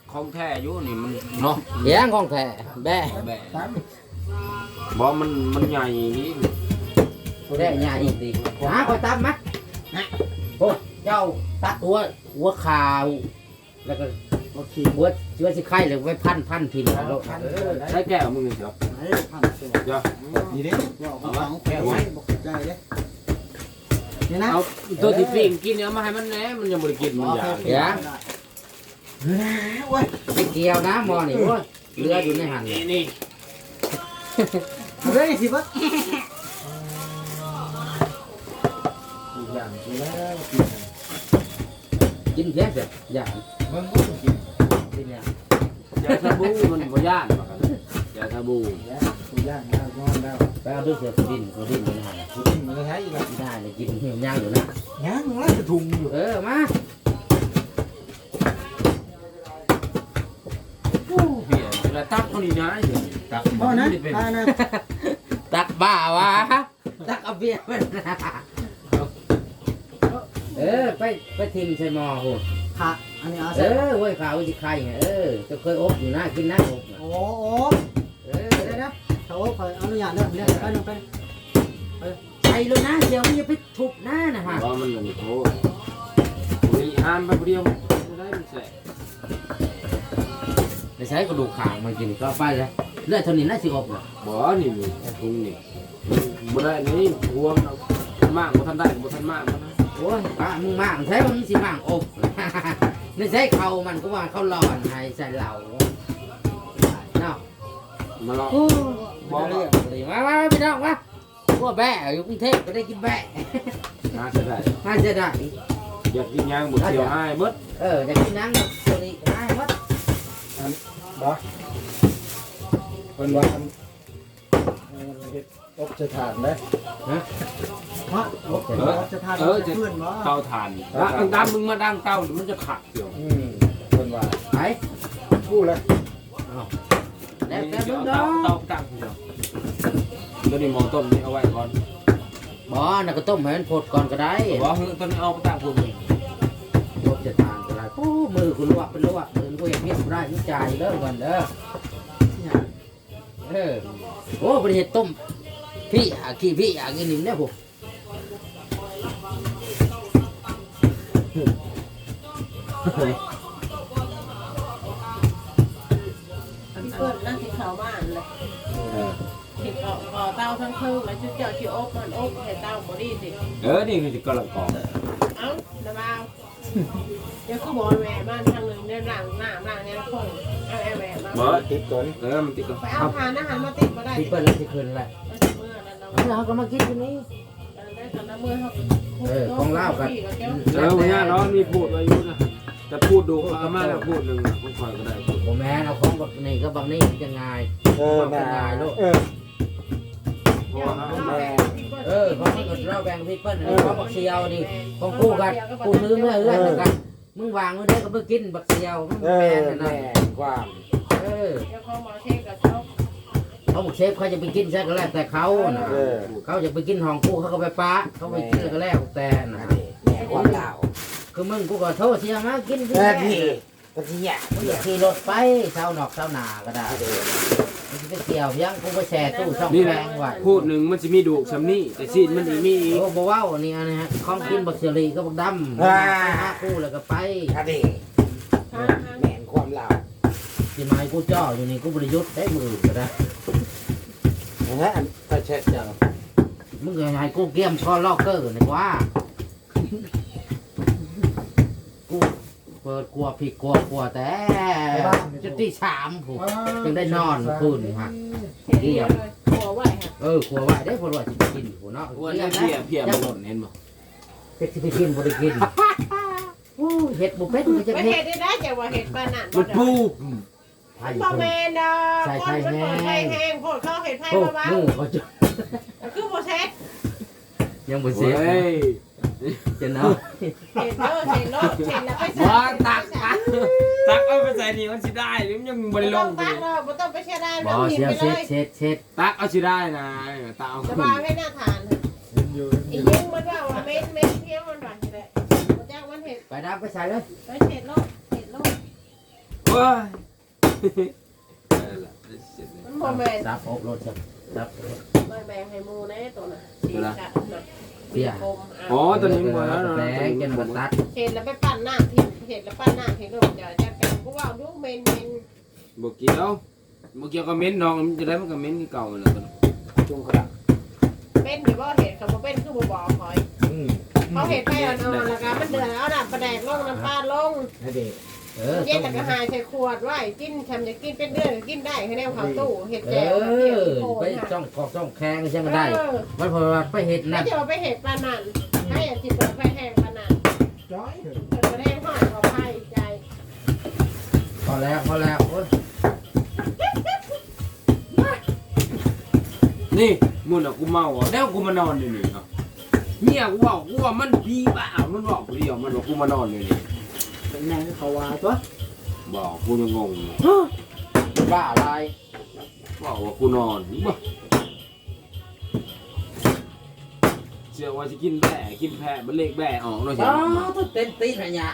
ของแท้อยู่นี่มันเนาะเลี้ยงของแท้แบ่แบะบ่มันใหญ่นี่แบ่ใหญ่อีกดีหาคอยตามมั้ยโอ้เจ้าตัดหัวขาวแล้วก็หัวเชื้อสิไข่เลยไว้พันทิ่มแล้วใช้แก้วมึงนี่เดี๋ยวเดี๋ยวนี่เด้เอาแก้วไว้บ่ใจเด้นี่นะเอาตัวที่ปิ้งกินเนี่ยมาให้มันแหน่มันยังบ่ได้กินมันอยากเดี๋ยวโอ้ยไปเกี่ยวนะหมอนี่โอ้ยเรืออยู่ในหันนี่เฮ้ยสิบ่อย่างนี้แล้วกินแค่เสร็จอย่างมันก็กินกินอย่างยาชาบูมันบ่ย่านว่ากันยาชาบูแล้วตัวย่างแล้วนอนแล้วไปเอาด้วยเสือดินอยู่ในหันกินมันใช้อีกแล้วได้เลยกินย่างอยู่นะย่างแล้วจะถุงอยู่มาเพี้ยแล้วตักเท่านี้นะตักพ่อนะไม่ได้เป็นพ่อนะตักบ้าวะตักเอาเบียร์มันไปทิมใส่หม้อหุ่นค่ะอันนี้เอาเว้ยข่าววิจิไข่ไงจะเคยอบอยู่นะกินนะอบโอ้ได้นะเขาขออนุญาตเด้อเรียกไปนึงไปใส่เลยนะเดี๋ยวมันจะไปทุบหน้านะฮะว่ามันนี่โอ้ยห้ามไปเดียวไม่ได้มันแสบในใช้กระดูกขางมันกินก็ไปเลยเลือดเท่านี้น่าสิอบเลยบ่นี่ทุ่งนี่บ่ได้นี่รวมมากบ่ทันได้บ่ทันมากนะโอ้ยมึงมากใช้มึงสิมากอบในใช้เขามันก็ว่าเขาหลอนให้ใส่เหล่าเนาะมาลองมาเรื่องเลยมาพี่น้องมาพวกแบะอยู่กรุงเทพก็ได้กินแบะน่าจะได้น่าจะได้อยากกินย่างบ่เดียวให้เบิดอยากกินนังตัวนี้ได้หมดบ่เป็นว่าเฮ็ดอบจะทานได้เพราะจะทานจะเพื่อนบ่เตาถ่านแล้วอันตามมึงมาดังเตามันจะขัดเดียวเป็นว่าไปกู้เลยแล้วแต่มึงเตาเนาะตั้งเดียวตัวนี้หมอต้มนี่เอาไว้ก่อนบ่น่ะก็ต้มให้มันพดก่อนก็ได้บ่เฮ้ยตัวนี้เอาไปตั้งพุ่นพดจะทานก็ได้โอ้มือคุณลวกเป็นลวกมือกูอยากเมียกูได้นี่จ่ายเด้อก่อนเด้อโอ้ประเทศต้มพี่ขี้พี่กินหนึ่งเนี่ยผมเปิดนั่งที่เขาบ้านเลยที่ก่อเตาทั้งคืนแล้วชุดเจ้าชิอบมันอบเห็ดเตาบอดี้สินี่คือกำลังกองเอ้าระบาวเดี๋ยวก็บอกแหวบ้านทางหนึ่งเนี่ยหลังหน้าเนี่ยคงเอาแหวมาบ่ติดก่อนมันติดก่อนไปเอาทานอาหารมาติดมาได้พี่เปิ้ลแล้วที่คืนแหละเมื่อนั้นเราเราก็มากินที่นี่ได้ตอนนั้นเมื่อเขาของเล่ากันเนี่ยเนาะมีพูดไว้อยู่นะจะพูดดูอาม่าแล้วพูดหนึ่งผมคอยก็ได้พูดผมแม่เอาของแบบนี้ก็บางนี่จะง่ายน่าเพราะว่าของนี่ก็เราแบ่งพี่เปิ้ลของบักเชียวนี่ของกูกันกูซื้อเมื่อเอื้อนกันมึงวางไว้ได้ก็เพิ่งกินบักเชียวมึงแม่นั่นน่ะความเดี๋ยวเขาหมอเทกับเขาเขาบอกเชฟเขาจะไปกินใช่ก็แล้วแต่เขาน่ะเขาจะไปกินห้องกูเขาก็ไปป้าเขาไปกินก็แล้วแต่น่ะความดาวคือมึงกูก็โทษเสียมากินที่นี่ก็ที่อยากมึงอย่าขี่รถไปเช้านอกเช้านาก็ได้มึงจะไปเกี่ยวยังกูไปแช่ตู้ช่องนี่แรแหละงไว้พูดหนึ่งมันจะมีดูกชำนี่แต่ซีดมันอีมีอีกโอ้บ่ว้าวนี่อันนี้ฮะของกินบักเชอรี่ก็บักดำหาคู่แล้วก็ไปคดีแม่นความลาวที่ไม้กูจ่ออยู่นี่กูบริยุทธ์ได้มือก็ได้นะฮะถ้าเช็ดจังมึงก็ให้กูเกี่ยมคอล็อกเกอร์นี่ว่ากูเปิดกลัวผิดกลัวแต่จุดที่3ผมจึงได้นอนคืนฮะเกี่ยวเลยหัวไหวฮะกลัวไว้ได้พอว่าจะกินหัวเนาะว่าเนี่ยเพียมันหล่นเห็นบ่เฮ็ดสิไปกินบ่ได้กินโอ้เฮ็ดบ่เป็นมันจะไม่เฮ็เห็ดดได้แต่ว่าเห็ดบ้านนั่นมันปูไผ่พ่อเพิ่นแม่ดอกคนมันเปิดไฟแห้งโพดเขาเห็ดไฟโอ้เบามือเขาจะๆคือโบเซ็ตยังบ่เฮ้เสียยจะเนาะเห็ดแล้วเห็ดแล้วไปบ่ตักเอาไปใส่นี่มันสิได้หรือมันยังบ่ได้ลงตักเราไม่ต้องไปเช็ดได้บ่เราหยิบเสียไปเลยเช็ดตักเอาสิได้นะตาเอาสขึ้นบายให้หน้าทานอยู่อียิงมันว่าเม็ดเพี้ยมันหวานเลยมันจ้างมันเห็ดไปดับไปใส่เลยไปเห็ดโลกเห็ดโลกว้ายนั่นแหละเสร็จเลยมันบ่แม่นซับอบรถซับไม่แบ่งให้หมูแน่ตัวน่ะตัวละเสียคมอ๋อตัวนี้บ่แล้วแบงกันมาตัดเห็ดแล้วไปปั่นหน้าทิ้งเห็ดแล้วปั่นหน้าทิ้งก็จะจัดการกูว่าดูเมนบ่เกี่ยวกับเม้นน้องมันจะได้มันก็เม้นที่เก่าเลยตัวจุงกระดักเป็นหรือว่าเห็ดเขาบ่เป็นคือบ่บอกคอย เขาเห็ดไปอ่อนๆแล้วก็มันเดือดเอาน้ำปลาแดกลงน้ำปลาลงให้เด็กเย็นแล้วก็หายใส่ขวดไว้กินทำจะกินเป็นเดือนก็กินได้ให้แนวเขาตู้เห็ดเอแจ่วเห็ดอโคไปนจ้องกอกจ้องแข้งใช่ไหมได้มันพอไปเห็ดไม่นั่นจะเอาไปเห็ดปลานันให้จิตไปแห้งปลานันจ้อยเปิดแห้งหอยเขาไผ่ใจพอแล้วโอ้ยนี่มุ่นอ่ะกูเมาอ่ะแล้วกูมานอนอยู่นี่เนาะเนี่ยกูว่ามันพี่บ้ามันบอกกูเดียวมันบอกกูมานอนอยู่นี่เป็นไงเขาว่าตัวบอกกูยังงงอยู่บ้าอะไรบอกว่ากูนอนบ่เชื่อว่าจะกินแบ่กินแพะมันเลขแบ่ออกเนาะใช่อ๋อไหมต้องเต้นตีนอะไรเนี่ย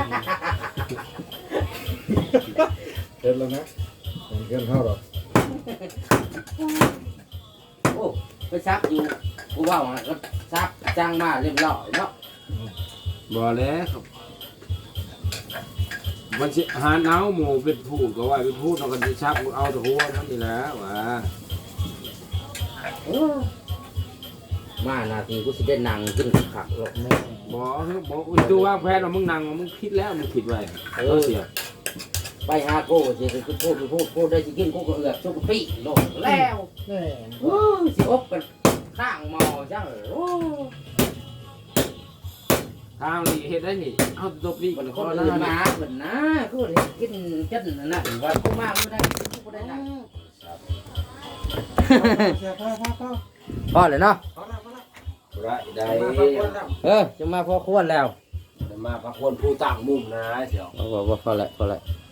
เกินแล้วนะเกินเท่าหรอกโอ้ไปซักอยู่กูว่าก็ซักจ้างมาเรียบร้อยเนาะบ่แล้วครับมันสิหาหนาวหมู่เป็นพูดก็ว่าเป็นพูดเรากันสิชักเอาแต่หัวนั่นนี่แหละว่ามานาทีกูสิได้นั่งขึ้นขักหรอกแม่บอกดูวางแผนว่ามึงนั่งมึงคิดแล้วมึงคิดไว้เสียไปหาโก้สิกูพูดได้สิกินกูก็เอือกชุกปี้ลงแล้วแน่โอ้สิอบกันข้างหมอจังโอ้ทางนี้เฮ็ดได้นี่เอาตัวพี่มันขคอนอื่นนะมาเหมือนนะกูกินจันนั่นว่ากูมาไม่ได้กูได้นั่งเสียพ่อพอเลยเนาะได้จะมาพอควรแล้วมาพักคนผู้ต่างมุมนะเสียวพอแล้ว